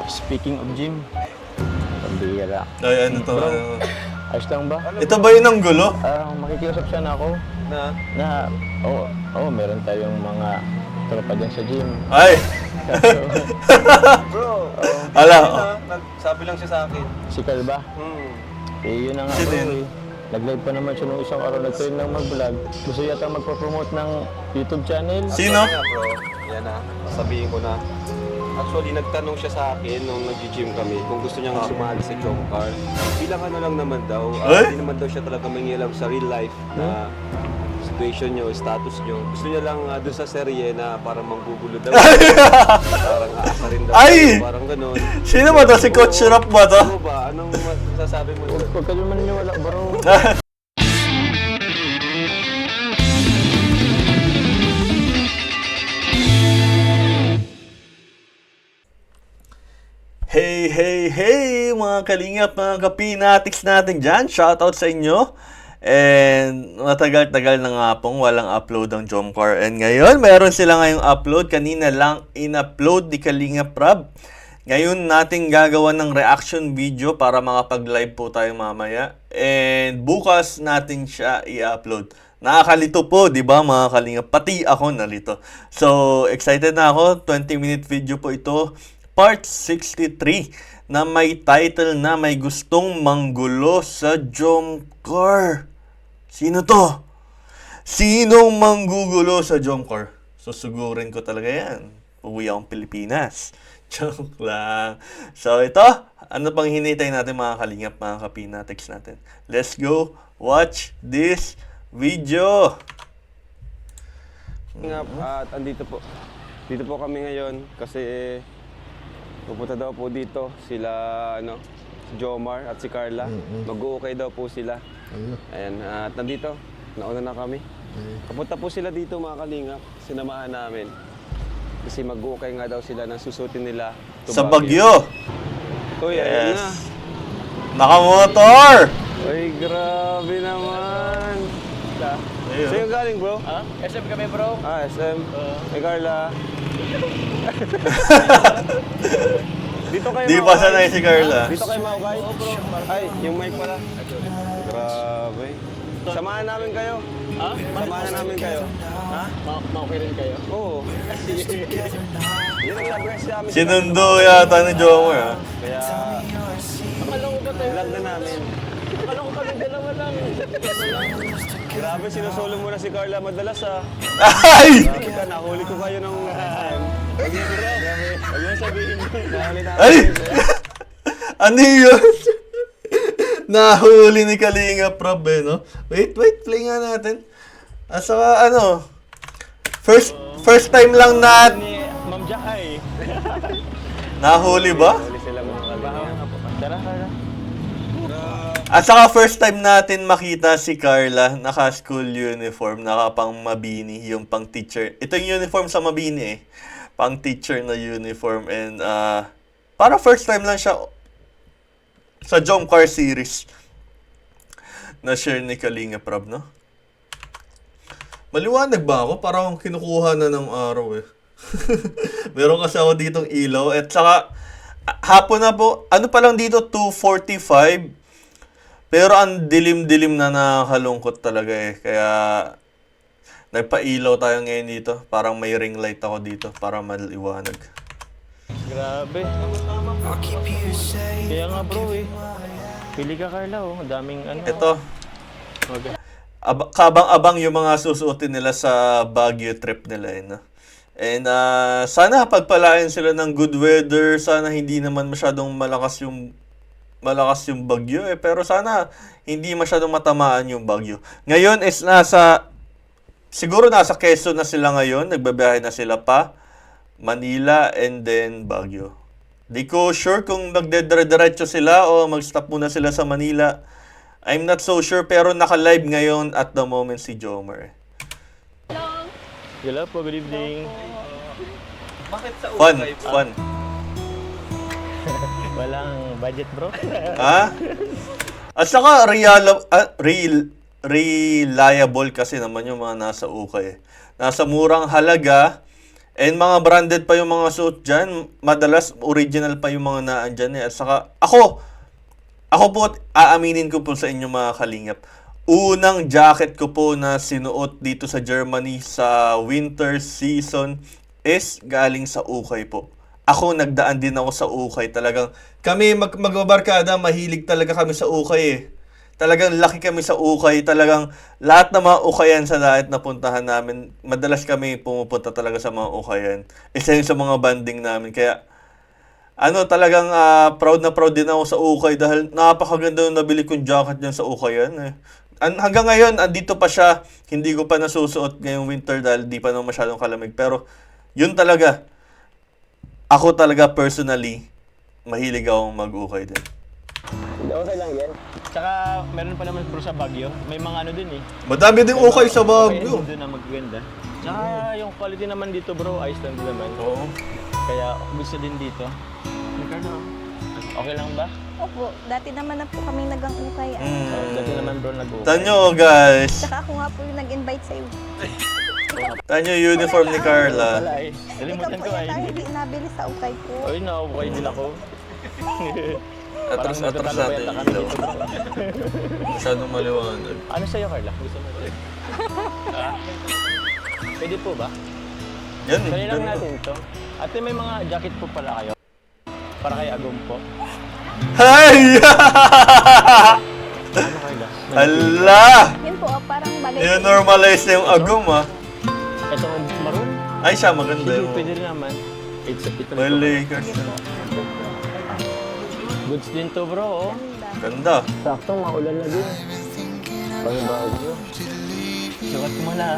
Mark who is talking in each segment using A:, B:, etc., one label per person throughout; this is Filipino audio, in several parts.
A: Speaking of gym, pambihira.
B: Ay, ano to?
A: Ayos lang ba?
B: Ito ba yun ang gulo?
A: Makikiusap siya na ako na meron tayong mga tropa dyan sa gym.
B: Ay!
C: Bro,
B: Ala,
C: nagsabi lang siya sa akin.
A: Si Calba. Yun na nga
B: Si
A: bro
B: Din.
A: eh. Nag-live pa naman siya nung isang araw, nag-train lang mag-vlog. Gusto yata magpa-promote ng YouTube channel.
B: Sino?
C: Sabi nga, bro, yan na, sabihin ko na. Actually, nagtanong siya sa akin nung nag-gym kami kung gusto niya sumali sa jump car. Bilang ano lang naman daw,
B: Eh?
C: hindi naman daw siya talaga mangialam sa real life na situation niyo, status niyo. Gusto niya lang doon sa serye na parang manggugulo daw. Parang aasa rin daw.
B: Ay!
C: Parang ganun.
B: Sino ba to? Si Coach Rap ba to?
C: Ano ba? Anong masasabi mo doon?
A: Huwag ka naman naniwala bro.
B: Hey, hey, hey! Mga kalingap, mga kapinatics natin dyan. Shoutout sa inyo. And matagal-tagal na nga pong walang upload ang Jomcar. And ngayon, meron sila ngayong upload. Kanina lang in-upload ni Kalingap Rab. Ngayon natin gagawa ng reaction video para makapag-live po tayo mamaya. And bukas natin siya i-upload. Nakakalito po, di ba mga kalingap? Pati ako nalito. So, excited na ako. 20-minute video po ito. Part 63 na may title na may gustong manggulo sa Jomcar. Sino to? Sinong manggugulo sa Jomcar? Susugurin ko talaga yan. Uwi akong Pilipinas. Joke lang. So ito, ano pang hinihintay natin mga kalingap, mga kapinatics natin? Let's go watch this video.
C: At andito po. Dito po kami ngayon kasi pupunta daw po dito sila si Jomar at si Carla. Mag-uukay daw po sila. Ayan, at nandito, nauna na kami. Kapunta po sila dito mga kalingap, sinamahan namin. Kasi mag-uukay nga daw sila ng susutin nila to
B: Sa Baguio.
C: Uy, ayun na.
B: Nakamotor!
C: Uy, grabe naman.
B: Ayun.
C: Sa'yo galing bro?
A: SM kami bro.
C: SM. Hey Carla. Dito kayo
B: Di ba sanay si Carla?
C: Dito kayo maukay? Ay, yung mic pala. Grabe. Samahan namin kayo. Samahan namin kayo. Ha?
A: Ma-okay rin kayo?
C: Oo. Yun ang nag-rest namin.
B: Sinundo yata ni Jomar, ha?
C: Kaya,
A: Akala ko ba tayo?
C: vlog na namin.
A: Akala ko kami dalawa lang.
C: Grabe, sinusolo mo na si Carla madalas ha.
B: Ay!
C: Grabe ka, nahuli ko kayo ng SM. Huwag niyo sabihin mo. Nahuli namin.
B: Ay! Ano yun? Nahuli ni Kalinga Prab eh, no? Wait, play nga natin. Saka first time lang na
A: Ni Ma'am Jahay.
B: nahuli ba?
C: Nahuli sila mga kalingap.
A: Tara, tara.
B: At saka first time natin makita si Carla naka-school uniform, naka-pang Mabini, yung pang teacher. Ito yung uniform sa Mabini eh. Pang teacher na uniform and para first time lang siya sa Jomcar series na share ni Kalinga Prab, no? Maliwanag ba ako? Parang kinukuha na ng araw eh. Meron kasi ako ditong ilaw at saka hapon na po, ano pa lang dito, 2:45. Pero ang dilim-dilim na, nakakalungkot talaga eh. Kaya nagpa-ilaw tayo ngayon dito. Parang may ring light ako dito para maliwanag.
A: Grabe. Kaya nga bro eh. Pili ka Carla oh. Ang daming ano.
B: Ito, kabang-abang yung mga susuotin nila sa Baguio trip nila eh, no? And sana pagpalain sila ng good weather. Sana hindi naman masyadong malakas yung bagyo eh. Pero sana hindi masyadong matamaan yung bagyo. Ngayon is siguro nasa Quezon na sila ngayon. Nagbabiyahe na sila pa Manila and then Baguio. Di ko sure kung magdedire-diretso sila o mag-stop muna sila sa Manila. I'm not so sure pero naka-live ngayon at the moment si Jomar.
A: Hello po, good evening.
C: Bakit sa
B: Fun.
A: Walang budget bro.
B: Ha? At saka reliable kasi naman yung mga nasa ukay. Nasa murang halaga And mga branded pa yung mga suit dyan. Madalas, original pa yung mga naan dyan eh. At saka, ako po, aaminin ko po sa inyo mga kalingap. Unang jacket ko po na sinuot dito sa Germany sa winter season is galing sa ukay po. Ako, nagdaan din ako sa ukay. Talagang, kami magbabarkada, mahilig talaga kami sa ukay eh. Talagang laki kami sa ukay. Talagang lahat ng mga ukayan sa daet na puntahan namin, madalas kami pumupunta talaga sa mga ukayan. Isa yun sa mga banding namin. Kaya, talagang proud na proud din ako sa ukay dahil napakaganda yung nabili kong jacket dyan sa ukayan eh. Hanggang ngayon, andito pa siya. Hindi ko pa nasusuot ngayong winter dahil di pa naman masyadong kalamig. Pero, yun talaga. Ako talaga personally, mahilig akong mag-ukay din.
A: Okay lang yan. Tsaka meron pa naman bro sa Baguio. May mga ano din eh.
B: Madami din ukay sa Baguio.
A: Doon na magaganda. Tsaka yung quality naman dito bro, ayos lang din naman.
B: Oo.
A: Kaya gusto din dito. Ricardo, okay lang ba?
D: Opo, dati naman na po kami nag-angukay.
A: Dati naman bro nag-ukay.
B: Tanyo guys.
D: Tsaka ako nga po yung nag-invite sa'yo.
B: Tanyo uniform ni Carla.
A: Wala eh.
D: Ikaw
A: Nalimutan
D: po
A: ko ay.
D: yata hindi nabili sa ukay ko.
A: Ay, naukay din ako.
B: Atras natin yung ilaw. Masyadong maliwanag.
A: Ano sa'yo Carla? Gusto mo rin? Pwede po ba?
B: Yan eh.
A: Kaya lang
B: ganda.
A: natin ito. Ate, may mga jacket po pala kayo. Para kay Agum po.
B: Hay!
A: Ano Carla?
B: Hala!
D: Yun po, parang bagay.
B: I-normalize na yung agum ah.
A: Ito maroon.
B: Ay siya, maganda
A: Sige,
B: yung
A: pwede rin naman. Ito
B: may Lakers na.
A: Goods din to bro. Oh.
B: Ganda.
A: Sakto, maulan na din. Pagbabago nyo. Sukat mo na.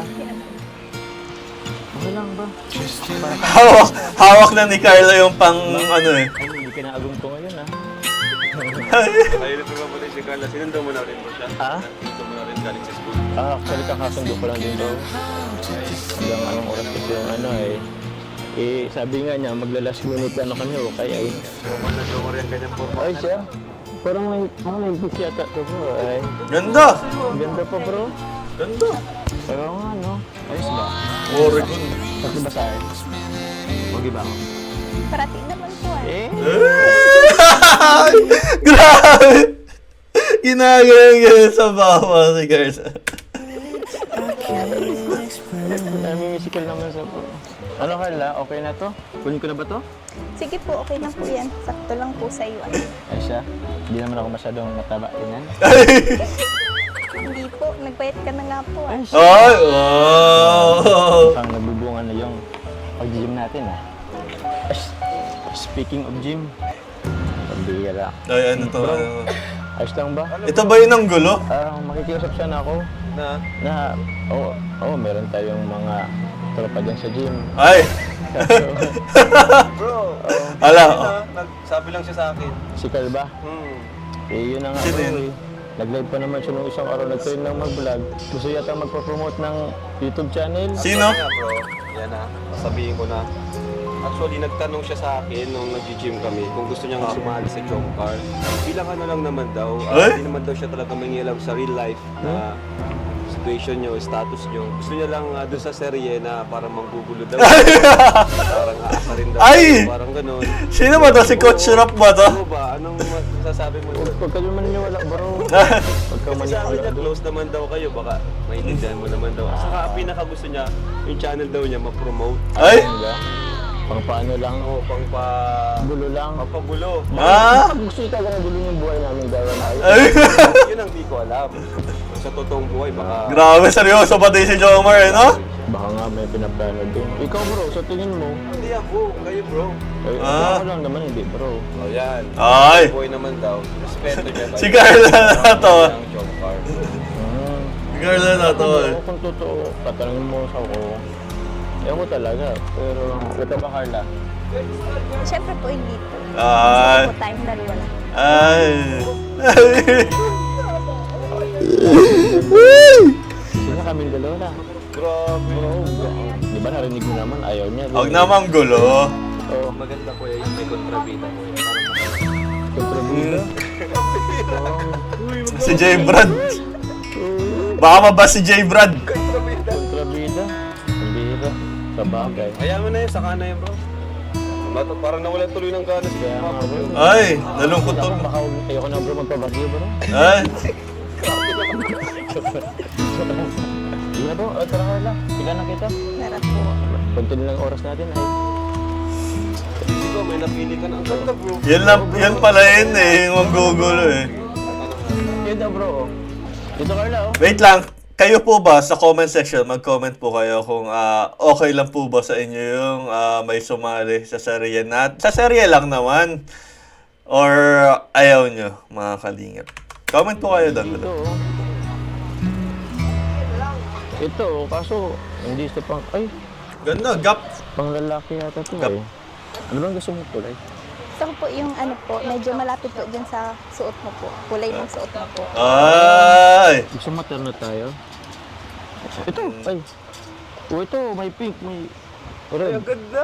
A: Okay lang ba?
B: Hawak na ni Carla yung pang ano eh.
A: Ay, hindi ka na Agum ko ngayon ah.
C: Ayun ito nga pala si Carla. Sinundo mo na rin mo siya?
A: Ha?
C: Sinundo mo na rin galing sa school.
A: Actually kakasundo ko lang din bro. Hanggang anong oras kasi yung ano eh. Sabi nga niya, magla-last minute ano kami o kaya eh.
C: Nag-joker yan kanyang forma.
A: Ay siya, parang may pick yata to bro. Ay,
B: Ganda!
A: ganda pa bro.
B: Ganda!
A: Pero nga no, ayos ba?
B: Oregon.
A: Pati ba sa akin? Huwag ba ako?
D: Parati naman po
A: Eh?
B: Grabe! Ginagawa sa bawa si Carla.
A: May musical naman sa bro. Ano Carla, okay na to? Kunin ko na ba to?
D: Sige po, okay na po yan. Sakto lang po sa iyo.
A: Ay siya, hindi naman ako masyadong mataba tinan.
D: Hindi po, nagbayad ka na nga po.
A: Ay siya,
B: Ay! Wow!
A: parang nagbubungan na yung pag-gym natin ah. Ay, speaking of gym, pambihira.
B: Ay, ano to? Ano?
A: Ayos lang ba?
B: Ito ba yun ang gulo?
A: Makikiusap siya na ako na meron tayong mga tropa dyan sa gym.
B: Ay!
C: Bro,
B: Ala,
C: nagsabi lang siya sa akin.
A: Si Calba, yun na nga
B: Siya
A: bro
B: din.
A: eh. Nag-live pa naman siya nung isang araw, nag-train lang mag-vlog. Gusto yata magpa-promote ng YouTube channel.
B: Sino?
C: Kaya bro, yan na. Sabihin ko na. Actually, nagtanong siya sa akin nung nag-gym kami kung gusto niyang sumali sa jump car. Bilang ano lang naman daw, hindi naman daw siya talaga mangialam sa real life na situation niyo, status niyo. Gusto niya lang doon sa serye na parang manggugulo daw. Parang aasa rin daw.
B: Ay!
C: Parang ganun.
B: Sino ba to? Si Coach Rock ba to?
C: Ano ba? Anong masasabi mo doon?
A: Pagka naman niya wala bro. Pagka
C: Kasi sabi
A: maniwala
C: niya,
A: doon.
C: close naman daw kayo, baka maintindihan mo naman daw. Saka ang pinaka gusto niya, yung channel daw niya ma-promote.
B: Ay!
A: Pang paano lang,
C: O, pang
A: gulo lang.
C: papagulo.
A: Pag gusto ito talaga gulo yung buhay namin gawin na ayos.
B: Ay!
C: Yun ang di ko alam. Sa totoong buhay, baka...
B: Grabe, seryoso ba din si Jomar eh, no?
A: Baka nga may pinaplano din. Ikaw bro, sa tingin mo,
C: Hindi ako, kayo bro.
A: ay, ako lang naman hindi bro.
C: O yan.
B: Ay!
C: Buhay naman daw. Respeto niya.
B: Si Carla na to.
C: Ang job car.
B: Si Carla na to eh.
A: Kung totoo, tatanungin mo sa ako. Ewan ko talaga, pero ito ba Carla?
D: Siyempre po, hindi po.
B: Ay!
D: Po tayong dalawa na.
B: Ay!
A: Sino kami dalawa na?
C: Grabe.
A: Di ba narinig mo naman, ayaw niya.
B: Huwag namang gulo.
A: Oo,
C: Maganda ko yung may kontrabida ko.
A: kontrabida.
B: Si J. Brad. Baka mabas si J. Brad.
A: Kontrabida. Ang bihira. Sa sa bagay.
C: Kaya mo na yun, saka na yun bro. Parang nawala tuloy ng gana si
A: Kaya nga bro.
B: Ay, nalungkot
A: Ako,
B: to.
A: baka ayoko na bro magpabagyo bro.
B: Ay,
A: Hindi na bro, tara Carla. Pila na kita.
D: Tara po.
A: Kunti lang oras natin ay.
C: Hindi ko, may napili ka na. Ang ganda bro.
B: yan pala yun eh, yung manggugulo eh.
A: Yun daw bro. Dito Carla oh.
B: Wait lang, kayo po ba sa comment section, mag-comment po kayo kung okay lang po ba sa inyo yung may sumali sa serye sa serye lang naman. Or ayaw nyo, mga kalingap. Comment po kayo doon.
A: Ito oh. Ito oh, kaso hindi ito pang, ay,
B: Ganda, gap.
A: pang lalaki yata ito
B: Gap.
A: eh. Ano bang gusto mo kulay?
D: Gusto ko po yung ano po, medyo malapit po dyan sa suot mo po. Kulay ng suot mo po.
B: Ay!
A: Gusto materno tayo? Ito, ay. Oh, ito, may pink, may red.
C: Ang ganda.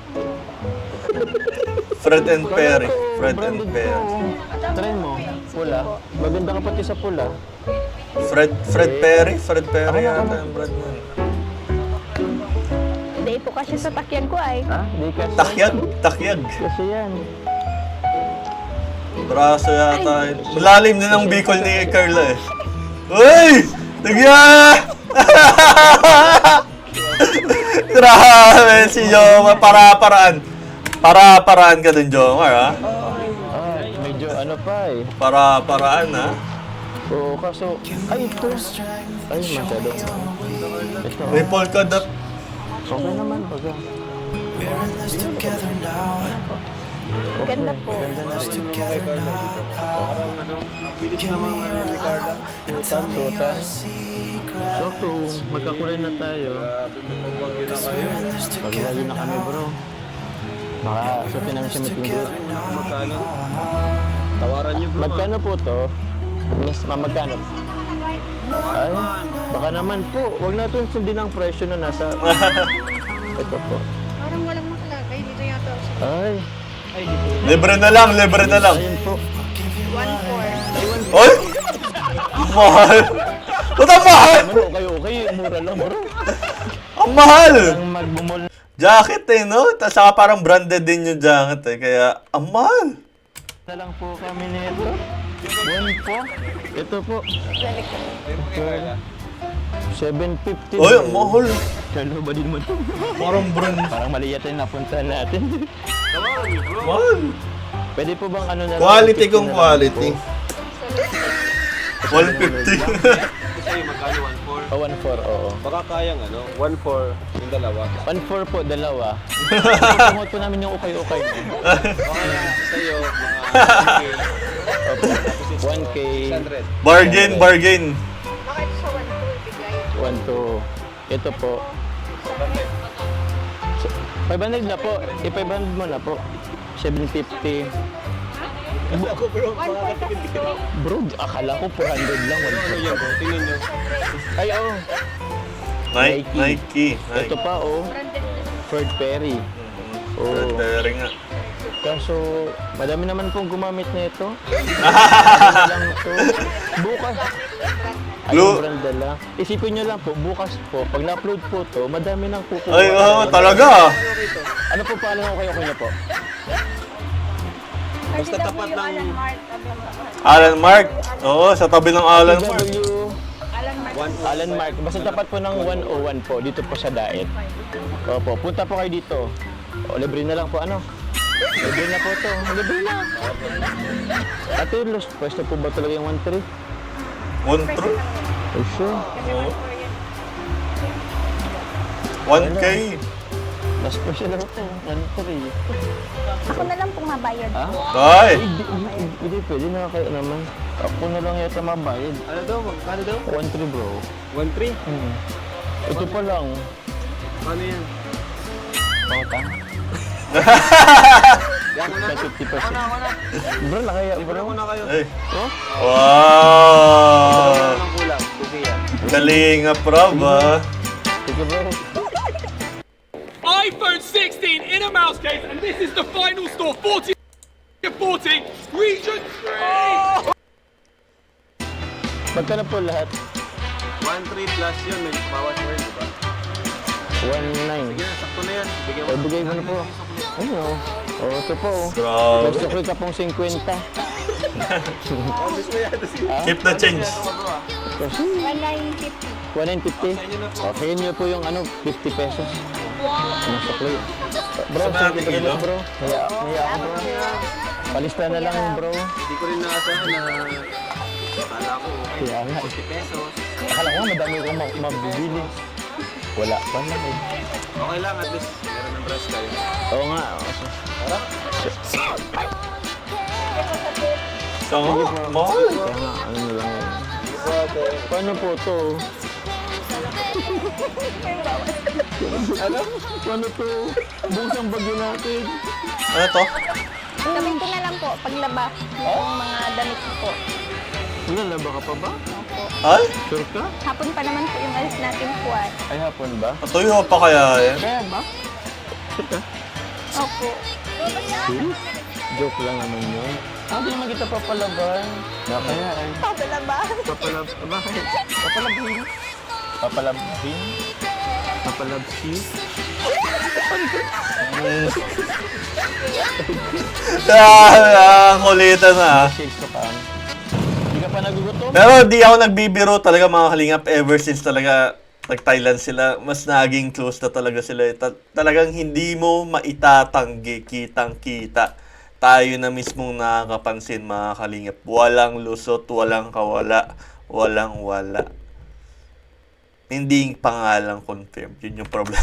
B: Fred and Perry.
A: Ito,
B: Fred and
A: branded to,
B: Perry.
A: oh. Try mo, pula. Maganda ka pati sa pula.
B: Fred Perry? Fred Perry yata yung brand mo.
D: Hindi po kasi sa takyan ko ay.
A: Ha? Di kasi.
B: Takyag.
A: Kasi yan.
B: Braso yata. Malalim din ang bicol ni Carla eh. Uy! Nagya! Grabe si Jomar. Para-paraan ka dun, Jomar, ha?
A: Ah, medyo ano pa eh.
B: Para-paraan, ha?
A: Oo, kaso, ay ito. Ay, masyadong. Ito,
B: May polka dot.
A: okay naman, baga.
D: Ganda po.
A: Ganda na rin. Tutan. Sakto, magkakulay na tayo. Pag-lagi na kami bro. Baka sutin namin siya matinggot.
C: Magkano? Tawaran niyo bro.
A: Magkano po to? Mas magkano? Ay, baka naman po. Huwag natin sundin ang presyo na nasa... Ito po.
D: Parang walang makalagay. Dito yata.
A: Ay,
B: Libre na lang.
A: ayun po.
D: 1-4.
B: Oy! Mahal! Ba't ang mahal?
A: Ano, okay, mura lang bro.
B: Ang mahal!
A: Ang magbumol
B: Jacket eh, no? Tapos saka parang branded din yung jacket eh. Kaya, ang mahal!
A: na lang po kami nito. 1 po. Ito po. 750.
B: Oy, ang mahal!
A: Kalo ba din mo ito?
B: Parang brand.
A: Parang mali yata yung napuntahan natin.
B: Mahal!
A: Pwede po bang ano na lang?
B: Quality
A: 50
B: kung
A: na lang
B: quality.
A: po?
B: 150.
C: Sa'yo magkano 1-4?
A: Oh, 1-4, oo.
C: Baka kayang ano, 1-4 yung dalawa.
A: 1-4 po, dalawa. Tumot po namin yung ukay-ukay mo.
C: Baka sa'yo, mga
A: Opo. 1K,
C: 100.
B: Bargain.
D: Bakit sa 1-4 bigay?
A: 1 to... Ito po. 500 na po. 500 mo na po. 750. Bro, akala ko 400 lang.
C: Ano yan bro? Tingnan nyo.
A: Ay, oo.
B: Nike.
A: Ito pa, oh. Fred Perry.
B: Fred
A: Oh.
B: Perry nga.
A: Kaso, madami naman pong gumamit na ito. Ano lang ito. Bukas.
B: Blue.
A: Ayun, brand dala. Isipin nyo lang po, bukas po, pag na-upload po to, madami nang kukuha.
B: Ay, oo, talaga.
A: Ano po pala ng kayo niya po?
C: Basta tapat ng...
B: Alan Mark. Oo, sa tabi ng Alan Mark.
A: Alan Mark. Basta tapat po ng 101 po, dito po sa Daet. Opo, punta po kayo dito. O, libre na lang po, ano? Libre na po to. Libre na. Ate, lost pwesto po ba talaga yung 1-3?
B: 1 true.
A: Oh, sure.
B: 1K.
A: Last question na ito. 1-3.
D: Ako na lang pong mabayad.
A: Ha?
B: Ay.
A: Hindi, pwede na kayo naman. Ako na lang yata mabayad.
C: Ano daw? Magkano daw?
A: 1-3 bro.
C: 1-3?
A: Ito pa lang.
C: Paano yan?
A: Pangutang.
C: Yan mo na.
A: 50%. Bro, nakaya bro.
C: Ako na kayo.
B: Ay.
A: Oh?
B: Wow.
C: Ano ang kulang? Buki yan.
B: Kalinga prob, ah.
A: Sige bro.
E: iPhone 16 in a mouse case, and this is the final score 40 40 region 3.
A: Magkano po lahat?
C: 1-3 plus yun. May bawas mo rin, di ba?
A: 1.9.
C: Sakto na yan. Bigyan
A: O, bigay mo na po. Ayun o. O, ito po.
B: Grabe.
A: May sukli ka pong 50.
B: Keep the change.
A: Kasi
D: 1,950.
A: 1.950. Okay, nyo po yung 50 pesos. Ano sukli? Bro,
B: Sa mga
A: 50
B: kilo?
A: pesos bro. Kaya ako bro. Palista na lang bro.
C: Hindi ko rin naasahan na kala ko
A: Kaya nga.
C: 50 pesos.
A: Akala ko madami kong mabibili. Wala pa lang eh.
C: Okay lang, at least meron ng brush kayo.
A: Oo nga.
B: So, mahal.
A: Kaya nga, ano na lang yun. Paano po to? Ano? Paano to? Bukas ang bagyo natin.
B: Ano to?
D: Gawin ko na lang po, paglaba ng mga damit ko po.
A: Lalaba ka pa ba?
D: Opo.
B: Ay?
A: Sure ka?
D: Hapon pa naman po yung alis natin po ay.
A: Ay, hapon ba?
B: Natuyo pa kaya yan?
A: Kaya ba? Sure ka?
D: Opo.
A: Serious? Joke lang naman yun. Hindi naman kita papalaban. Na kaya ay.
D: Paglaba.
A: Bakit? Papalabhin? Papalabhin? Papalabsi?
B: Kulitan na.
A: Shakes ka pa. Hindi ka pa nagugutom?
B: Pero di ako nagbibiro talaga mga kalingap ever since talaga nag-Thailand sila. Mas naging close na talaga sila. Talagang hindi mo maitatanggi, kitang-kita. Tayo na mismong nakakapansin mga kalingap. Walang lusot, walang kawala, walang wala. Hindi pangalang confirm. Yun yung problem.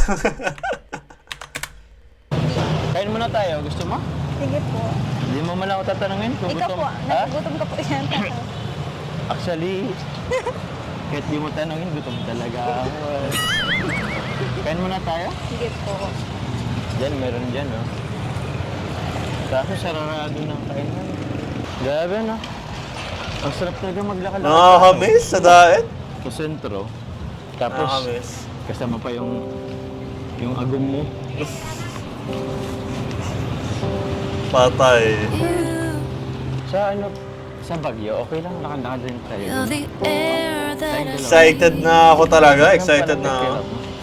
A: Kain muna tayo. Gusto mo?
D: Sige po.
A: Hindi mo man ako tatanungin kung
D: Ikaw
A: gutom.
D: po,
A: Ha?
D: nagugutom ka po yan.
A: Actually, kahit di mo tanungin, gutom talaga ako. Kain muna tayo?
D: Sige po.
A: Diyan, meron dyan, oh. Kaso sararado ng kainan. Grabe, no? Ang sarap talaga maglakad.
B: Nakakamiss sa daet.
A: Sa sentro. Tapos,
B: Nakakamiss.
A: kasama pa yung agum mo.
B: Patay.
A: Sa ano, sa Baguio, okay lang, lakad-lakad din tayo.
F: Feel the air that I
B: Excited na ako talaga. Excited na ako.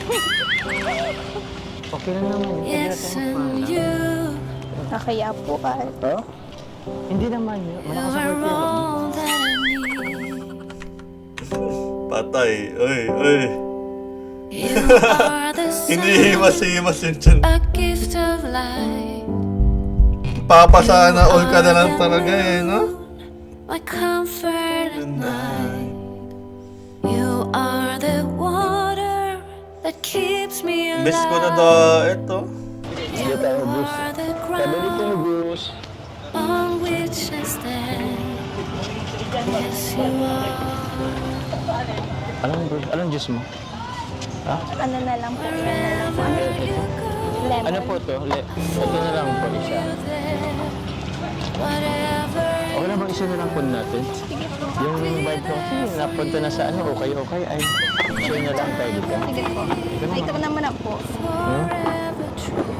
A: Okay lang naman.
F: yes and you
D: Nakaya po ay.
A: Oh? Hindi naman yun. Malakas ang
F: are
A: hirap.
F: all that I need.
B: Patay. Uy, uy.
F: You are the
B: Hindi
F: sun,
B: himas-himas yun dyan.
F: a gift of light.
B: Papasana all ka na lang talaga eh, no?
F: My comfort at night. You are the water that keeps me alive.
B: Best ko na daet, oh.
F: You are the
A: Sabi dito ni
F: ground
A: Bruce.
F: on which I stand. Yes, you are.
A: Anong Bruce? Anong juice mo? Ha?
D: Ano na lang po.
F: Wherever you go,
D: Lemon.
A: Ano po to? Ito na lang po isa.
F: whatever
A: Okay na bang isa na lang po natin? Yung vibe ko kasi napunta na sa ano, okay, ay share na lang tayo dito.
D: Sige po. Ikaw naman na po.
F: forever true.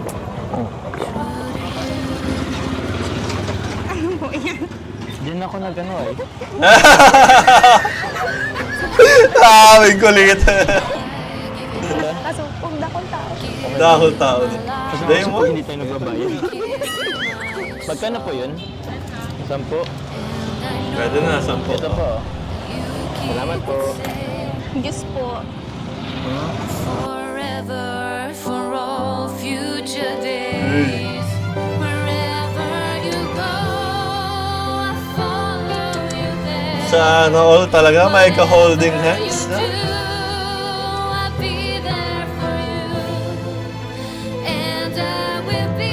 D: Ano po yan?
A: Diyan ako nag-ano eh.
B: Aming kulit.
D: Kaso kung dakong tao.
B: Dahol tao.
A: Kasi
B: Day
A: po
B: mo?
A: hindi tayo nagbabayad. Magkano po yun? 10?
B: Pwede na, 10.
A: Ito po. Salamat po.
D: Diyos po.
F: Forever for all future days. Wherever you go, I follow you there.
B: Sana all talaga may ka-holding hands, no?
F: I'll be there for you, and I will be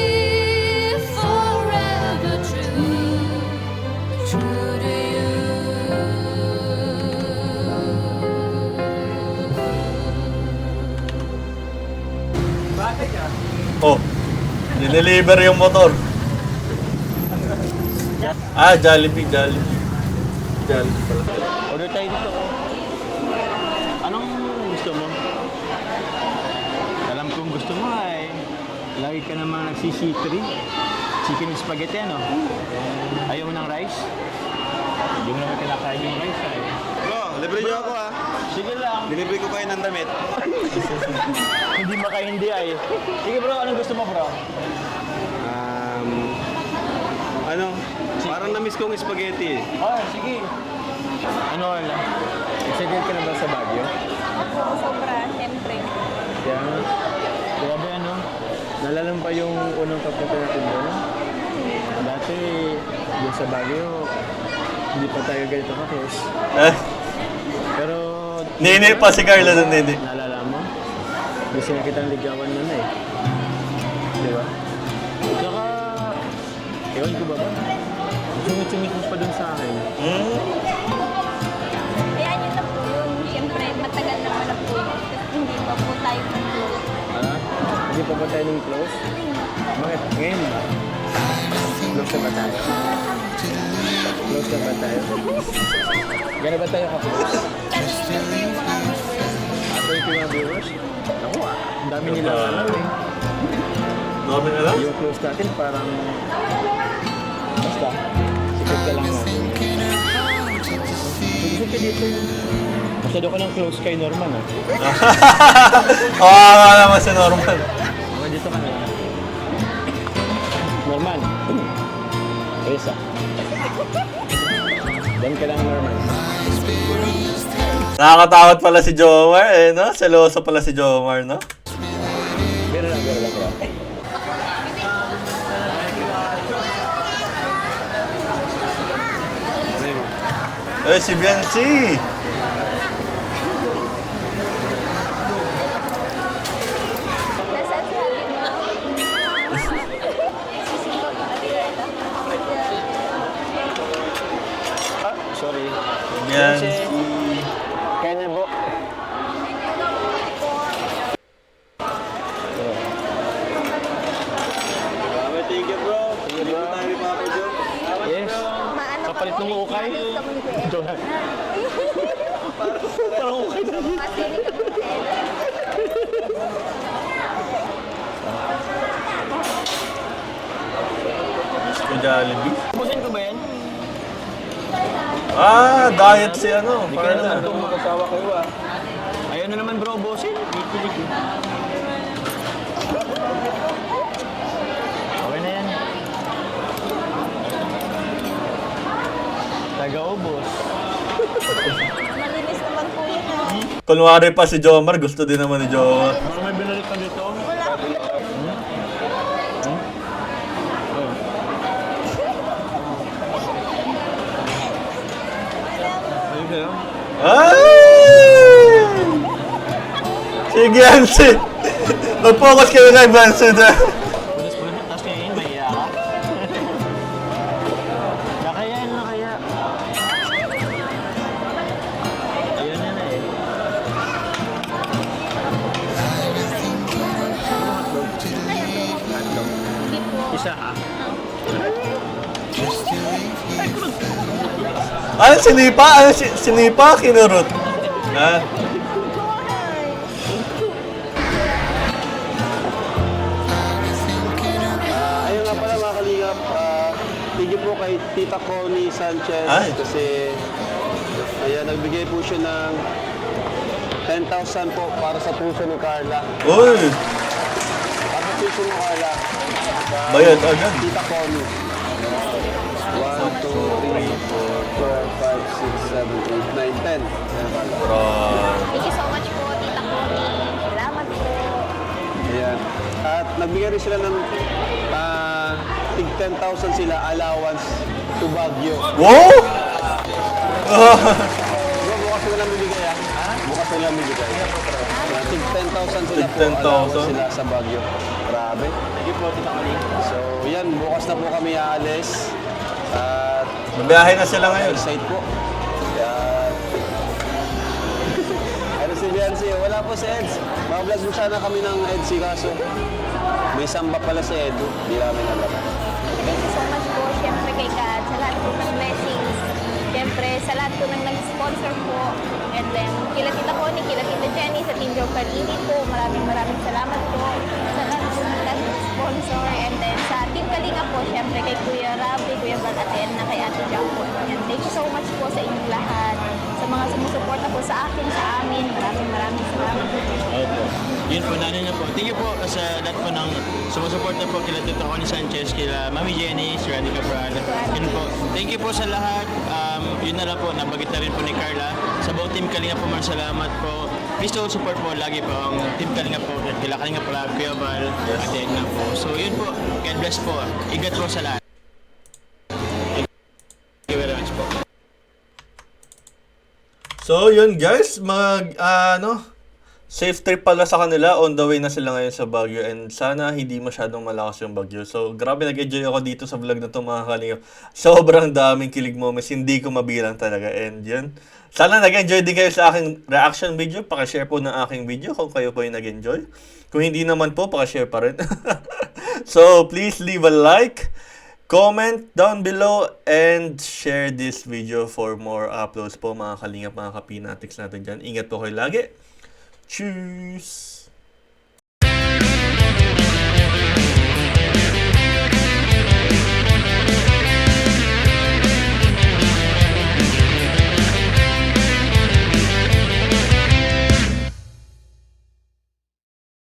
F: forever true, true to you.
B: Oh, dineliver yung motor. Ah, Jollibee. Jollibee pala.
A: Order tayo dito. Anong gusto mo? Alam kong gusto mo ay lagi ka namang nagsisi-3. Chicken with spaghetti, ano? Ayaw mo ng rice? Hindi mo naman kinakain yung rice, ay.
C: Bro, libre niyo ako ah.
A: Sige lang.
C: Delivery ko kayo ng damit.
A: Hindi hindi ay. Sige bro, anong gusto mo bro?
C: Ano? Parang na-miss kong spaghetti.
A: Oh, sige. Ano lang? Excited ka na ba sa Baguio?
D: Ako, sobra, siyempre.
A: Kaya nga. Grabe ano? Nalala mo pa yung unang kapunta natin doon? Dati, yung sa Baguio, hindi pa tayo ganito ka-close. Pero...
B: Nene pa si Carla doon, nene.
A: Naalala mo? Gusto na kitang ligawan mo na eh. Di ba? Tsaka, ewan ko ba ba? Sumit-sumit mo pa dun sa akin.
D: Kaya yun na po yun. Siyempre, matagal naman na po yun. Kasi hindi pa po tayo close.
A: Hindi pa ba tayo nung close? Bakit? Ngayon ba? Close na ba tayo? Close na ba tayo? Gano'n ba tayo ka-close? Ato yung mga viewers? Ako ang dami nilang alam eh.
B: Dami na lang?
A: Yung close natin parang... Basta, sikot ka lang natin. Sikot ka dito yung... Masyado ka ng close kay Norman ah.
B: Oo, naman si Norman.
A: Okay, dito ka na. Norman. Risa. Doon ka lang, Norman.
B: Nakakatakot pala si Jomar eh, no? Seloso pala si Jomar, no?
A: Biro lang, bro.
B: Eh, si Biancy!
D: Nasaan si Happy mo?
A: Ah, sorry.
B: Biancy.
A: Kaya na po.
C: Thank you, bro. Thank you tayo ni Papa Joe.
A: Yes.
D: Maano ka
A: Kapalit
D: po?
A: ng ukay.
D: Gusto mo ni Kuya Ed?
A: Johan. Parang ukay na.
D: Kasi ni Kuya Ed.
B: Gusto Jollibee.
A: Pusin ko ba yan?
B: Ah, diet si ano,
A: Hindi ka na naman
B: Carla.
A: itong makasawa kayo ah. Ayaw na naman bro, bosin. Pipilig eh. Okay na yan. Taga-ubos.
D: Malinis naman po yun ha.
B: Kunwari pa si Jomar, gusto din naman ni Jomar.
A: Baka may binalik ka dito.
D: Wala po.
A: Ayun kayo?
B: Ay! Si Biancy! Mag-focus kayo kay Biancy na.
A: Punas po na, tapos ngayon, mahiya ka. Nakayan na kaya. Ayun na na eh. Isa ha?
B: Ano, sinipa? Ano, sinipa? Kinurot? Ha?
C: Ayun nga pala mga kalingap, thank you po kay Tita Connie Sanchez
B: Ay.
C: kasi ayan, nagbigay po siya ng 10,000 po para sa puso ni Carla.
B: Uy!
C: Para sa puso ni Carla.
B: Bayad agad.
C: Tita Connie. 1, 2, 3, 4, 5, 6, 7, 8, 9, 10. Ayan, Carla.
D: Thank you so much po, Tita Connie. Salamat po.
C: Ayan. At nagbigay rin sila ng tig 10,000 sila allowance to Baguio.
B: Wow!
C: Bro, bukas ko lang bibigay ah. Bukas ko lang bibigay. Tig 10,000 sila
B: Tig
C: po.
B: 10,000.
C: allowance sila sa Baguio. Grabe. Thank you po, Tita Kali. So, yan. Bukas na po kami aalis. At
B: Mabiyahe na sila ngayon.
C: excited po. Yan. Ano si Biancy? Wala po si Eds. Mga-vlog mo sana kami ng Edsy kaso may samba pala si Edu. Di namin alam.
D: Thank you so much po, syempre kay God, sa lahat po ng blessings. Syempre, sa lahat po ng nag-sponsor po. And then, kila Tita Connie, kila Tita Jenny, sa Team Joe Palini po. Maraming salamat po sa lahat po ng nag-sponsor. And then, sa Team Kalinga po, syempre kay Kuya Rab, kay Kuya Val, at na kay Ate Jack po. And thank you so much po sa inyong lahat. Sa mga sumusuporta po sa akin, sa
A: Yun po, nanin na po. Thank you po sa lahat po ng sumusuporta po kila Tito Connie Sanchez, kila Mami Jenny, si Randy Cabral. Yun po. Thank you po sa lahat. Yun na lang po, nabagit na rin po ni Carla. Sa buong Team Kalinga po, salamat po. Please don't support po lagi po ang Team Kalinga po. Kila Kalinga po, Kuya Val, at Edna po. So yun po, God bless po. Ingat po sa lahat. Thank you very much po.
B: So, yun guys, safe trip pala sa kanila. On the way na sila ngayon sa Baguio and sana hindi masyadong malakas yung Baguio. So, grabe nag-enjoy ako dito sa vlog na to mga kalingap. Sobrang daming kilig moments, hindi ko mabilang talaga. And yun, sana nag-enjoy din kayo sa aking reaction video. Pakishare po ng aking video kung kayo po yung nag-enjoy. Kung hindi naman po, pakishare pa rin. So, please leave a like, comment down below, and share this video for more uploads po mga kalingap, mga kapinatics natin dyan. Ingat po kayo lagi. Tschüss!